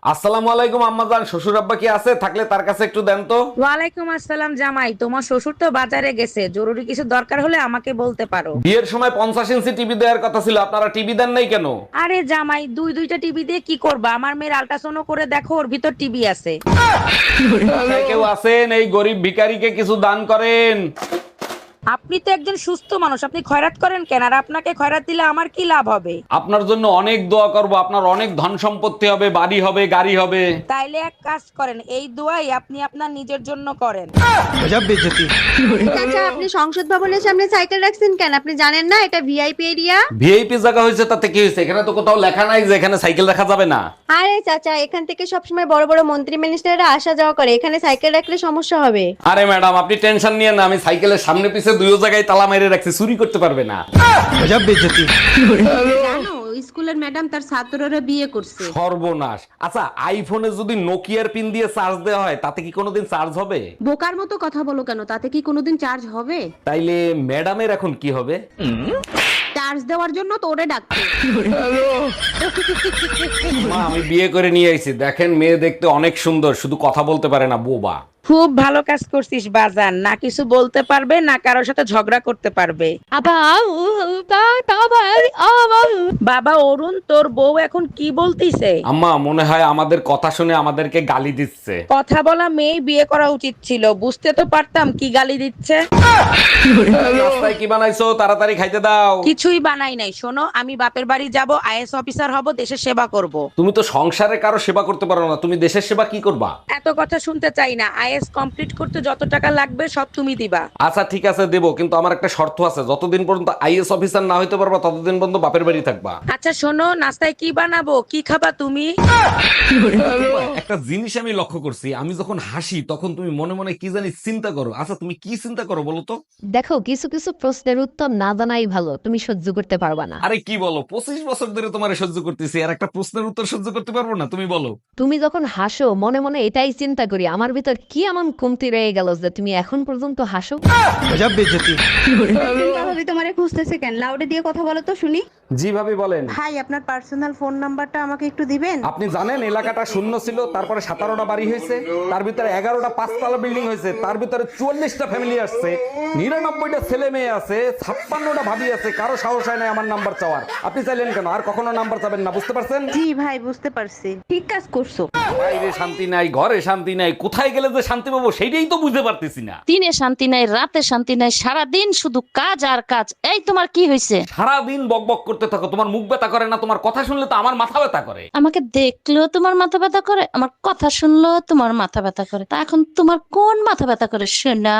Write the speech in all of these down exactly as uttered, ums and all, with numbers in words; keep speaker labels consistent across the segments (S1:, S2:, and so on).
S1: আসসালামু আলাইকুম আম্মাজান, শ্বশুর আব্বা কি আছে? থাকলে তার কাছে একটু দেন তো।
S2: ওয়ালাইকুম আসসালাম জামাই, তোমার শ্বশুর তো বাজারে গেছে, জরুরি কিছু দরকার হলে আমাকে বলতে পারো।
S1: বিয়ের সময় পঞ্চাশ ইঞ্চি টিভি দেওয়ার কথা ছিল, আপনারা টিভি দেন নাই কেন?
S2: আরে জামাই, দুই দুইটা টিভি দিয়ে কি করবা? আমার মেয়ের আল্ট্রাসাউন্ড করে দেখো, ওর ভিতর টিভি আছে।
S1: বাসায় কেউ আছেন? এই গরিব ভিখারিকে কিছু দান করেন।
S2: আপনি তো একজন সুস্থ মানুষ, আপনি খয়রাত করেন কেন? আর আপনাকে খয়রাত দিলে আমার কি লাভ হবে?
S1: আপনার জন্য অনেক দোয়া করব, আপনার অনেক ধন সম্পত্তি হবে, বাড়ি হবে, গাড়ি হবে।
S2: তাইলে এক কাজ করেন, এই দোয়াই আপনি আপনার নিজের জন্য করেন।
S3: আচ্ছা, আপনি সংসদ ভবনের সামনে সাইকেল রাখছেন কেন? আপনি জানেন না এটা ভিআইপি এরিয়া?
S1: ভিআইপি জায়গা হয়েছে তাতে কি হয়েছে? এখানে তো কোথাও লেখা নাই যে এখানে সাইকেল রাখা যাবে না।
S3: আরে চাচা, এখান থেকে সবসময় বড় বড় মন্ত্রী মিনিস্টাররা আসা যাওয়া করে, এখানে সাইকেল রাখলে সমস্যা হবে।
S1: আরে ম্যাডাম, আপনি টেনশন নিয়ে না, আমি সাইকেলের সামনে পিছে দুই জায়গায় তালা মেরে রাখছি, চুরি করতে পারবে না।
S4: জানো স্কুলের ম্যাডাম তার ছাত্ররা বিয়ে করছে।
S1: সর্বনাশ। আচ্ছা, আইফোনে যদি নোকিয়ার পিন দিয়ে চার্জ দেওয়া হয় তাতে কি কোনোদিন চার্জ হবে?
S4: বোকার মতো কথা বলো কেন? তাতে কি কোনোদিন চার্জ হবে?
S1: তাইলে ম্যাডামের এখন কি হবে?
S4: চার্জ দেওয়ার জন্য তো ওরে ডাকছে।
S1: মা, আমি বিয়ে করে নিয়ে আইছি, দেখেন মেয়ে দেখতে অনেক সুন্দর, শুধু কথা বলতে পারে না, বোবা।
S2: খুব ভালো কাজ করছিস বাজান, না কিছু বলতে পারবে না কারোর সাথে ঝগড়া করতে পারবে। বাবা অরুণ, তোর বউ এখন কি বলতিছে?
S1: আম্মা, মনে হয় আমাদের কথা শুনে আমাদেরকে গালি দিচ্ছে।
S2: কথা বলা মেয়ে বিয়ে করা উচিত ছিল, বুঝতে তো পারতাম কি গালি দিচ্ছে।
S1: রাস্তায় কি বানাইছো? তাড়াতাড়ি খাইতে দাও।
S2: কিছুই বানাই নাই, শোনো, আমি বাপের বাড়ি যাব, আইএস অফিসার হব, দেশের সেবা করব।
S1: তুমি তো সংসারে কারো সেবা করতে পারো না, তুমি দেশের সেবা কি করবা?
S2: এত কথা শুনতে চাই না, আইএস কমপ্লিট করতে যত টাকা লাগবে সব তুমি দিবা।
S1: আচ্ছা ঠিক আছে, দেবো, কিন্তু আমার একটা শর্ত আছে, যতদিন পর্যন্ত আইএস অফিসার না হইতে পারবা ততদিন পর্যন্ত বাপের বাড়ি থাকবা।
S2: আচ্ছা শোনো, নাস্তায় কি বানাবো, কি খাবা তুমি?
S1: একটা জিনিস আমি লক্ষ্য করছি, আমি যখন হাসি তখন তুমি মনে মনে কি জানি চিন্তা করো। আচ্ছা, তুমি কি চিন্তা করো বলো তো?
S5: দেখো, কিছু কিছু প্রশ্নের উত্তর না জানাই ভালো, তুমি সহ্য করতে পারবা না।
S1: আরে কি বলো, পঁচিশ বছর ধরে তোমার সহ্য করতেছি, আর একটা প্রশ্নের উত্তর সহ্য করতে পারবো না? তুমি বলো।
S5: তুমি যখন হাসো মনে মনে এটাই চিন্তা করি, আমার ভিতর কি এমন কমতি রয়ে গেল যে তুমি এখন পর্যন্ত হাসো।
S3: ভাবি তোমারে খুঁজতেছে কেন? লাউডে দিয়ে কথা বলো তো শুনি।
S1: জি ভাবি, বলেন।
S6: ভাই, আপনার পার্সোনাল ফোন নাম্বারটা আমাকে একটু দিবেন?
S1: আপনি জানেন এলাকাটা শূন্য ছিল, তারপরে সতেরোটা বাড়ি হয়েছে, তার ভিতরে এগারোটা পাঁচতলা বিল্ডিং হয়েছে, তার ভিতরে চুয়াল্লিশটা ফ্যামিলি আসছে, নিরানব্বইটা ছেলে মেয়ে আছে, ছাপ্পান্নটা ভাবি আছে, কারো সাহস হয় না আমার নাম্বার চাওয়ার। আপনি চাইলেন কেন? আর কখনো নাম্বার চাবেন না, বুঝতে পারছেন?
S6: জি ভাই, বুঝতে পারছি।
S3: ঠিক কাজ করছো।
S1: বাইরে শান্তি নাই, ঘরে শান্তি নাই, কোথায় গেলে যে শান্তি পাবো সেইটাই তো বুঝতে পারতেছি না।
S7: দিনে শান্তি নাই, রাতে শান্তি নাই, সারাদিন শুধু কাজ আর কাজ। এই তোমার কি হয়েছে?
S1: সারাদিন বকবক করতে থাকো, তোমার মুখ ব্যথা করে না? তোমার কথা শুনলে তো আমার মাথা ব্যথা করে।
S7: আমাকে দেখলেও তোমার মাথা ব্যথা করে, আমার কথা শুনলেও তোমার মাথা ব্যথা করে। তা এখন তোমার কোন মাথা ব্যথা করে শোনা?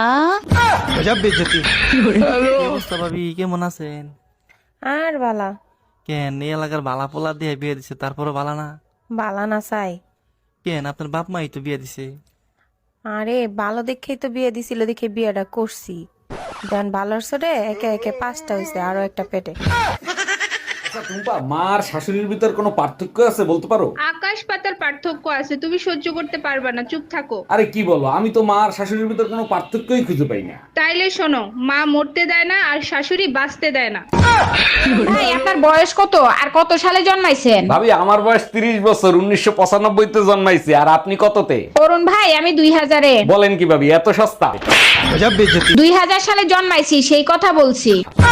S8: অবস্থা ভাবি, কেমন আছেন?
S6: আর বালা
S8: কেন এই এলাকার বালা পোলা দিয়ে বিয়ে দিছে, তারপরে বালা না?
S6: বালা না চাই।
S8: কেন আপনার বাপ মাই তো বিয়ে দিছে।
S6: আরে ভালো দেখেই তো বিয়ে দিছিল, দেখে বিয়েটা করছি। দেন ভালোর সরে একে একে পাঁচটা হয়েছে, আরো একটা পেটে।
S1: আচ্ছা টুম্পা, মার শাশুড়ির ভিতর কোনো পার্থক্য আছে বলতে পারো?
S9: আকাশ পাতার পার্থক্য আছে, তুমি সহ্য করতে পারবে না, চুপ থাকো।
S1: আরে কি বলো, আমি তো মার শাশুড়ির ভিতর কোনো পার্থক্যই খুঁজে পাই না।
S9: তাইলে শোনো, মা মরতে দেয় না আর শাশুড়ি বাঁচতে দেয় না।
S2: ভাই, আপনার বয়স কত আর কত সালে জন্মাইছেন?
S1: ভাবি, আমার বয়স তিরিশ বছর, উনিশশো পঁচানব্বই তে জন্মাইছি। আর আপনি কততে?
S2: অরুণ ভাই, আমি দুই হাজারে।
S1: বলেন কি ভাবি, এত সস্তা?
S2: দুই হাজার সালে জন্মাইছি, সেই কথা বলছি।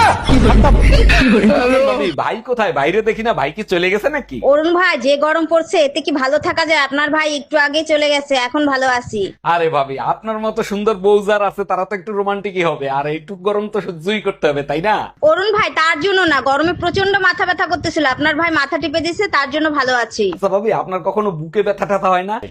S1: ভাবি, ভাই কোথায়? বাইরে দেখি না, ভাই কি চলে গেছে নাকি?
S3: অরুণ ভাই, যে গরম পড়ছে এতে কি ভালো থাকা যায়? আপনার ভাই একটু আগে চলে গেছে, এখন ভালো আছি।
S1: আরে ভাবি, আপনার মতো সুন্দর বউ যার আছে তারা তো একটু রোমান্টিকই হবে, আর একটু গরম তো সহ্যই করতে হবে, তাই না?
S3: অরুণ ভাই, তার জন্য না, গরমে প্রচন্ড মাথা ব্যথা করতেছিল, আপনার ভাই মাথা টিপে দিয়েছে, তার জন্য ভালো আছি।
S1: আচ্ছা ভাবি, আপনার কখনো বুকে ব্যথা ট্যাথা হয় না?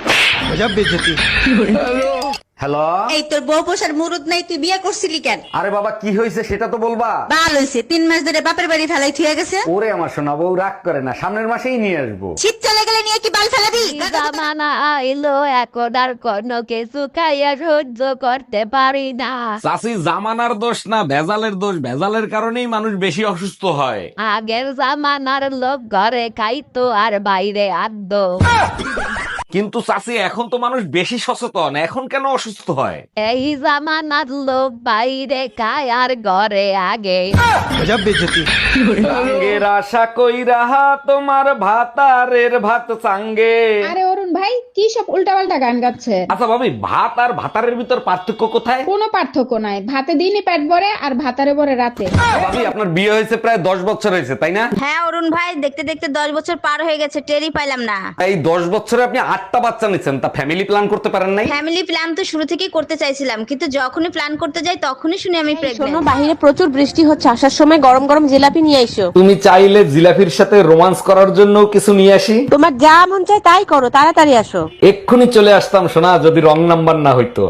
S1: হ্যালো।
S3: এই তোর বউ পোষার মুরুদ নাই, তুই বিয়ে করছিলি কেন?
S1: আরে বাবা, কি হয়েছে সেটা তো বলবা।
S3: ভালো হয়েছে, তিন মাস ধরে বাপের বাড়ি ফেলাই থুয়ে গেছে।
S1: ওরে আমার সোনা বউ, রাগ করে না, সামনের মাসেই নিয়ে আসবো।
S3: শীত চলে গেলে নিয়ে কি বাল ফেলাবি?
S5: জামানা আইলো এখন আর কোনো কিছু খাইয়া সহ্য করতে পারি না।
S1: চাষি, জামানার দোষ না, ভেজালের দোষ। ভেজালের কারণেই মানুষ বেশি অসুস্থ হয়।
S5: আগের জামানার লোক ঘরে খাইতো আর বাইরে আদ্য।
S1: কিন্তু চাষি, এখন তো মানুষ বেশি সচেতন, এখন কেন অসুস্থ হয়?
S5: এই জামানার লোক বাইরে খায় আর ঘরে আগে।
S1: আঙ্গের আশা কইরা তোমার ভাতারের ভাত চাঙ্গে।
S2: আরে অরুণ ভাই,
S9: ভাই কি সব উল্টাপাল্টা গান গাচ্ছে?
S1: আচ্ছা ভাবি, ভাত আর ভাতারের ভিতর পার্থক্য কোথায়?
S9: কোনো পার্থক্য নাই, ভাতে দিনে পেট ভরে আর ভাতারে ভরে রাতে।
S1: ভাবি, আপনার বিয়ে হয়েছে প্রায় দশ বছর হয়েছে তাই না?
S3: হ্যাঁ অরুণ ভাই, দেখতে দেখতে দশ বছর পার হয়ে গেছে, টেরই পাইলাম না।
S1: এই দশ বছরে আপনি আটটা বাচ্চা নিচ্ছেন, তা ফ্যামিলি প্ল্যান করতে পারেন নাই?
S3: ফ্যামিলি প্ল্যান তো শুরু থেকেই করতে চাইছিলাম, কিন্তু যখনই প্ল্যান করতে যাই তখনই শুনি আমি
S4: শোনো,
S3: প্রেগন্যান্ট।
S4: বাহিরে প্রচুর বৃষ্টি হচ্ছে, আসার সময় গরম গরম জিলাপি নিয়ে আইসো।
S1: তুমি চাইলে জিলাফির সাথে রোমান্স করার জন্য কিছু নিয়ে আসি?
S4: তোমার যা মন চায় তাই করো, তাড়াতাড়ি আসো।
S1: এক্ষুনি চলে আসতাম সোনা, যদি রং নাম্বার না হইতো।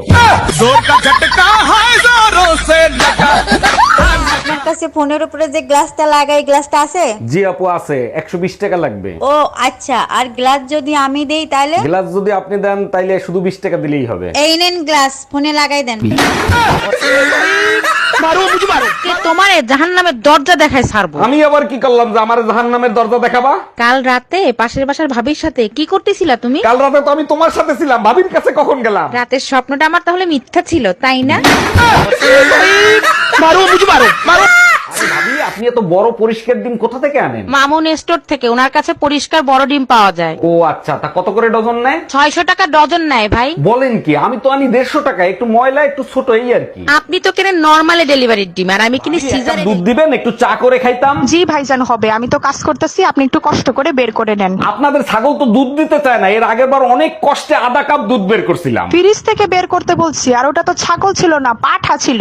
S3: আপনার কাছে ফোনের উপরে যে গ্লাসটা লাগাই, গ্লাসটা আছে?
S1: জি আপু আছে, একশো বিশ টাকা লাগবে।
S3: ও আচ্ছা, আর গ্লাস যদি আমি দেই তাহলে?
S1: গ্লাস যদি আপনি দেন তাইলে শুধু বিশ টাকা দিলেই হবে।
S3: এই নেন গ্লাস, ফোনে লাগাই দেন।
S2: তোমারে জাহান্নামের দরজা দেখায় ছাড়বো।
S1: আমি আবার কি করলাম যে আমার জাহান্নামের দরজা দেখাবা?
S2: কাল রাতে পাশের বাসার ভাবির সাথে কি করতেছিলা তুমি?
S1: কাল রাতে তো আমি তোমার সাথে ছিলাম, ভাবির কাছে কখন গেলাম?
S2: রাতের স্বপ্নটা আমার তাহলে মিথ্যা ছিল, তাই না?
S1: আরে ভাবি, আপনি এত বড় পরিষ্কার ডিম কোথা থেকে আনেন?
S2: মামুন স্টোর থেকে, ওনার কাছে পরিষ্কার বড় ডিম পাওয়া যায়।
S1: ও আচ্ছা, তা কত করে ডজন নেয়?
S2: ছয়শো টাকা ডজন নেয় ভাই।
S1: বলেন কি? আমি তো আনি দেড়শো টাকা, একটু ময়লা একটু ছোট এই আর কি।
S2: আপনি তো কেনেন নরমালি ডেলিভারির ডিম, আর আমি কিনি
S1: একটা
S2: সিজারে।
S1: দুধ দিবেন, একটু চা করে খাইতাম।
S2: জি ভাইজান হবে, আমি তো কাজ করতেছি, আপনি একটু কষ্ট করে বের করে নেন।
S1: আপনাদের ছাগল তো দুধ দিতে চায় না, এর আগের বার অনেক কষ্টে আধা কাপ দুধ বের করছিলাম।
S2: ফ্রিজ থেকে বের করতে বলছি, আর ওটা তো ছাগল ছিল না, পাঠা ছিল।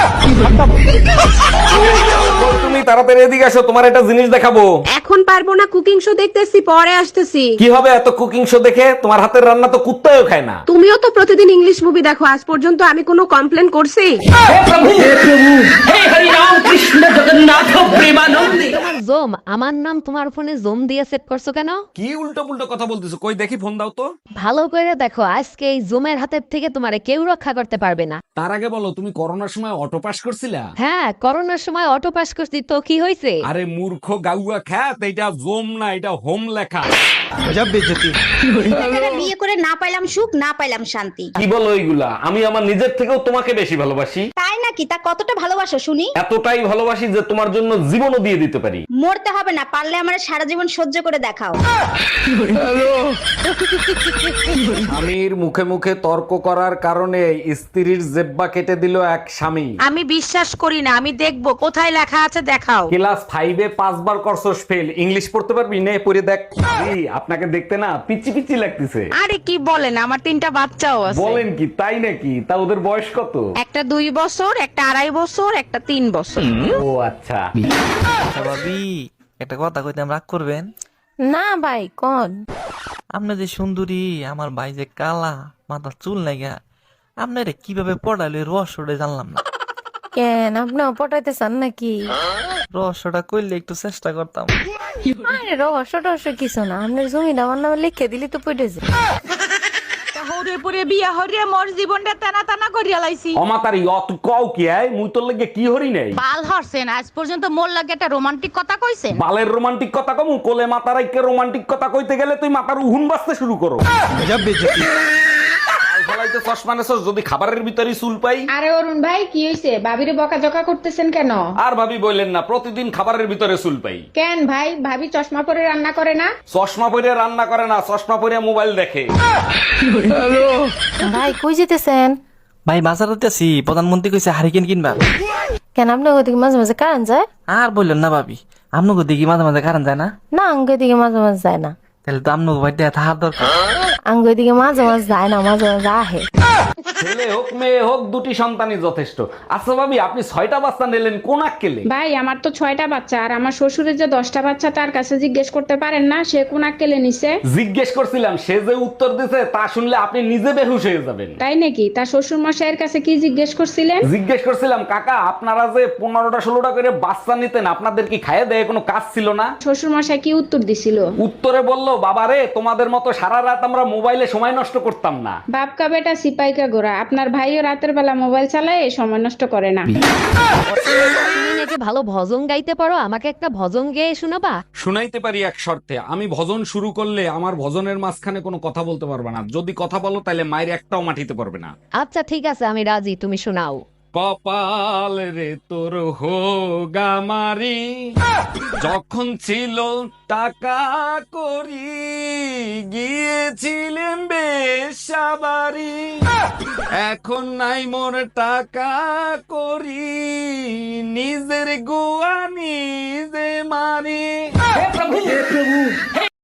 S1: কই তুমি, তাড়াতাড়ি এদিকে আসো, তোমার একটা জিনিস দেখাবো।
S4: এখন পারবো না, কুকিং শো দেখতেছি, পরে আসতেছি।
S1: কি হবে এত কুকিং শো দেখে? তোমার হাতের রান্না তো কুত্তাও খায় না।
S4: তুমিও তো প্রতিদিন ইংলিশ মুভি দেখো, আজ পর্যন্ত আমি কোনো কমপ্লেন করছি?
S5: তোমার জোম, আমার নাম তোমার ফোনে জোম দিয়ে সেট করছো কেন?
S1: কি উল্টো পুল্টো কথা বলতেছো? কই দেখি, ফোন দাও তো।
S5: ভালো করে দেখো, আজকে এই জোমের হাতের থেকে তোমারে কেউ রক্ষা করতে পারবে না।
S1: তার আগে বলো, তুমি করোনার সময় অটো পাস করছিলা?
S5: হ্যাঁ, করোনার সময় অটো পাস করছি, তো কি হয়েছে?
S1: আরে মূর্খ গাউয়া খ্যাত, এটা জোম না, এটা হোম লেখা।
S3: বিয়ে করে না পাইলাম সুখ, না পাইলাম শান্তি।
S1: কি বলো এইগুলা? আমি আমার নিজের থেকেও তোমাকে বেশি ভালোবাসি।
S3: তাই নাকি? তা কতটা ভালোবাসো শুনি?
S1: এতটাই ভালোবাসি যে তোমার জন্য জীবনও দিয়ে দিতে পারি।
S3: মরতে হবে না, পারলে আমার সারা জীবন সহ্য করে দেখাও।
S1: স্বামীর মুখে মুখে তর্ক করার কারণে স্ত্রীর জেব্বা কেটে দিল এক স্বামী।
S2: আমি বিশ্বাস করি না, আমি দেখবো কোথায় লেখা আছে, দেখাও।
S1: ক্লাস ফাইভে পাঁচবার করছস ফেল, ইংলিশ পড়তে পারবি? নে পড়ে দেখ। এই, আপনাকে দেখতে না পিচি পিচি লাগতেছে।
S2: আরে কি বলেন, আমার তিনটা বাচ্চাও আছে।
S1: বলেন কি? তাই নাকি? তা ওদের বয়স কত?
S2: একটা দুই বছর, একটা আড়াই বছর, একটা তিন বছর।
S1: ও আচ্ছা।
S8: আচ্ছা ভাবি, একটা কথা কইতাম, রাগ করবেন?
S6: না ভাই কোন?
S8: আপনি যে সুন্দরী, আমার ভাই যে কালা, মাথা চুল নাইগা, আপনারে কিভাবে পড়াইলো এই রহস্যটা জানলাম না।
S6: কেন, আপনিও পটাইতে চান নাকি?
S8: রহস্যটা কইলে একটু চেষ্টা করতাম।
S6: আরে রহস্য টহস্য কিছু না, আপনার জমিটা আমার নামে লিখে দিলি তো পড়ে যায়।
S2: হরে পরে বিয়া হরিয়া মোর জীবনটা টানা টানা করিয়া লাইছি।
S1: অমাতারি অত কও কি? আয় মুই তোর লাগে কি হরি নাই?
S2: বাল হরছেন, আজ পর্যন্ত মোর লাগে একটা রোমান্টিক কথা কইছেন?
S1: বালের রোমান্টিক কথা কমু? কোলে মাতারাইকে রোমান্টিক কথা কইতে গেলে তুই মাথার উহুন বাজতে শুরু করো। ফলাইতে চশমা নেছস, যদি খাবারের ভিতরে চুল পাই।
S9: আরে অরুণ ভাই কি হয়েছে? ভাবিরে বকাঝকা করতেছেন কেন?
S1: আর ভাবি বললেন না, প্রতিদিন খাবারের ভিতরে চুল পাই।
S9: কেন ভাই, ভাবি চশমা পরে রান্না করে না?
S1: চশমা পরে রান্না করে না, চশমা পরে মোবাইল দেখে।
S6: ভাই কই যেতেছেন?
S8: ভাই বাজারে আছি, প্রধানমন্ত্রী কইছে হারিকেন কিনবা।
S6: কেন, আপনার ওদিকে মাঝে মাঝে কারণ যায়?
S8: আর বললেন না ভাবি, আপনাকে দেখি মাঝে মাঝে কারণ যায় না?
S6: না, আঙ্গ দিকে মাঝে মাঝে যায় না।
S8: তাহলে তো আপনাকে বাড়িতে থাকার দরকার।
S6: আঙ্গ দিকে মাঝে মাঝে যায় না, মাঝে মাঝে আহে।
S1: ছেলে হোক মেয়ে হোক, দুটি সন্তানই যথেষ্ট। আচ্ছা ভাবি, আপনি ছয়টা বাচ্চা নিলেন, কোন আক্কেলে?
S9: ভাই আমার তো ছয়টা বাচ্চা, আর আমার শ্বশুরের যে দশটা বাচ্চা, তার কাছে জিজ্ঞেস করতে পারেন না সে কোন আক্কেলে নিছে?
S1: জিজ্ঞেস করছিলাম, সে যে উত্তর দিছে তা শুনলে আপনি নিজে বেহুশ হয়ে যাবেন।
S9: তাই নাকি? তার শ্বশুর মশাইয়ের কাছে কি জিজ্ঞেস করছিলেন?
S1: জিজ্ঞেস করছিলাম, কাকা আপনারা যে পনেরোটা ষোলোটা করে বাচ্চা নিতেন, আপনাদের কি খাইয়ে দেয় কোনো কাজ ছিল না?
S9: শ্বশুর মশাই কি উত্তর দিছিল?
S1: উত্তরে বলল, বাবা রে, তোমাদের মতো সারা রাত আমরা মোবাইলে সময় নষ্ট করতাম না।
S9: বাপকা বেটা সিপাইকা গোরা, আপনার ভাইও রাতের বেলা মোবাইল চালায়, সময় নষ্ট করে না।
S5: তুমি নাকি ভালো ভজন গাইতে পারো, আমাকে একটা ভজন গেয়ে শোনাবা?
S1: শুনাইতে পারি এক শর্তে, আমি ভজন শুরু করলে আমার ভজনের মাঝখানে কোনো কথা বলতে পারবে না। যদি কথা বলো তাহলে মায়ের একটাও মাটিতে পারবে না।
S5: আচ্ছা ঠিক আছে, আমি রাজি, তুমি শোনাও।
S1: কপাল রে তোর হোগামারি, যখন ছিল টাকা করি গিয়েছিলেন রিক্সা বাড়ি, এখন নাই মোর টাকা করি, নিজের গোয়া নিজে মারি। হে প্রভু হে প্রভু হে